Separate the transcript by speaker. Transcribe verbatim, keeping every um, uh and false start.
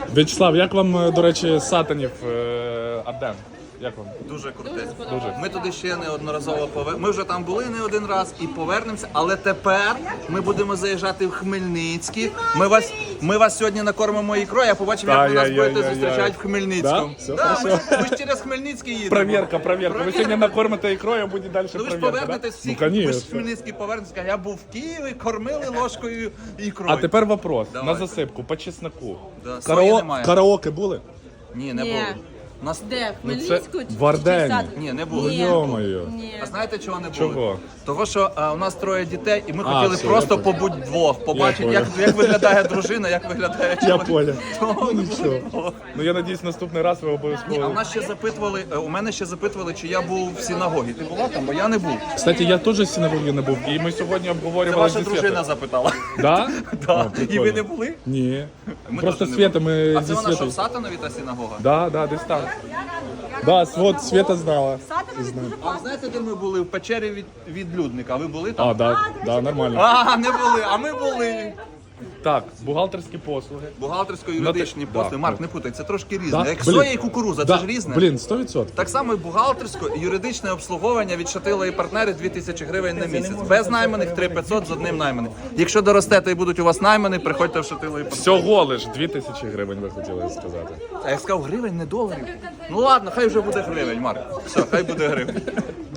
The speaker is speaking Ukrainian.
Speaker 1: В'ячеслав, як вам, до речі, Сатанів е, Арден? Як вам?
Speaker 2: Дуже круте.
Speaker 1: Дуже.
Speaker 2: Ми туди ще неодноразово повер... Ми вже там були не один раз і повернемося, але тепер ми будемо заїжджати в Хмельницький. Ми вас, ми вас сьогодні накормимо ікрою, я побачив, як ви нас будете зустрічати в Хмельницькому.
Speaker 1: Да? Все
Speaker 2: Да, ми,
Speaker 1: хорошо.
Speaker 2: ж, ми ж через Хмельницький їдемо.
Speaker 1: Провірка, провірка. Ви сьогодні накормите ікрою, а буде далі
Speaker 2: Ну ви ж
Speaker 1: провірка,
Speaker 2: повернетесь
Speaker 1: да?
Speaker 2: всіх,
Speaker 1: Ну,
Speaker 2: ви ж в
Speaker 1: конечно.
Speaker 2: Хмельницький повернетесь, я був в Києві, кормили ложкою ікрою.
Speaker 1: А тепер вопрос.
Speaker 2: Давайте.
Speaker 1: На засипку, по чесноку.
Speaker 2: Да, свої немає.
Speaker 1: Караоке були?
Speaker 2: Ні, не
Speaker 3: Ні.
Speaker 2: було. У нас...
Speaker 3: Де? В
Speaker 1: Ну, це
Speaker 3: Хмельницьку? чи-
Speaker 1: в Ардені.
Speaker 3: чи Сад-
Speaker 2: Ні, не було.
Speaker 3: Ні.
Speaker 1: Йо-моє.
Speaker 3: Ні.
Speaker 2: А знаєте, чого не було?
Speaker 1: Чого?
Speaker 2: Того, що а, у нас троє дітей, і ми
Speaker 1: А,
Speaker 2: хотіли
Speaker 1: все,
Speaker 2: просто
Speaker 1: я
Speaker 2: побути вдвох, побачити,
Speaker 1: понял.
Speaker 2: як, як виглядає дружина, як виглядає
Speaker 1: Я
Speaker 2: чоловік.
Speaker 1: понял.
Speaker 2: Тому
Speaker 1: Ну
Speaker 2: не було.
Speaker 1: нічого. Ну я надіюсь, наступний раз ви
Speaker 2: Ні, а
Speaker 1: обов'язково.
Speaker 2: в нас ще запитували, е, у мене ще запитували, чи я був в синагогі. Ти була там, бо я не був.
Speaker 1: Кстати, я теж з синагоги не був. І ми сьогодні
Speaker 2: Це
Speaker 1: обговорювали
Speaker 2: ваша
Speaker 1: зі
Speaker 2: дружина
Speaker 1: Світою.
Speaker 2: запитала.
Speaker 1: Да?
Speaker 2: Да.
Speaker 1: О,
Speaker 2: І
Speaker 1: прикольно.
Speaker 2: ви не були?
Speaker 1: Ні.
Speaker 2: Ми
Speaker 1: Просто
Speaker 2: теж не
Speaker 1: Света,
Speaker 2: були.
Speaker 1: ми
Speaker 2: А
Speaker 1: зі
Speaker 2: це вона що,
Speaker 1: Світою.
Speaker 2: в Сатанові та синагога?
Speaker 1: Да, да, десь там. Да, от Света знала. Знаю.
Speaker 2: А знаєте, де ми були? В печері від, від Людника. Ви були там?
Speaker 1: А, да, да, нормально.
Speaker 2: А, не були, а ми були.
Speaker 1: Так, бухгалтерські послуги.
Speaker 2: Бухгалтерсько-юридичні
Speaker 1: Ну, ти-
Speaker 2: послуги.
Speaker 1: да,
Speaker 2: Марк,
Speaker 1: да.
Speaker 2: не путай, це трошки різне.
Speaker 1: Да?
Speaker 2: Як
Speaker 1: Блін.
Speaker 2: соя і кукуруза,
Speaker 1: Да,
Speaker 2: це ж різне.
Speaker 1: Блін, сто відсотків.
Speaker 2: Так само і бухгалтерсько і юридичне обслуговування від Шатила і партнери дві тисячі гривень на місяць. Без найманих три п'ятсот з одним найманим. Якщо доростете і будуть у вас наймані, приходьте в Шатило і партнери.
Speaker 1: Всього лиш дві тисячі гривень ви хотіли сказати.
Speaker 2: А я сказав гривень, не доларів. Ну ладно, хай вже буде гривень, Марк. Все, хай буде гривень.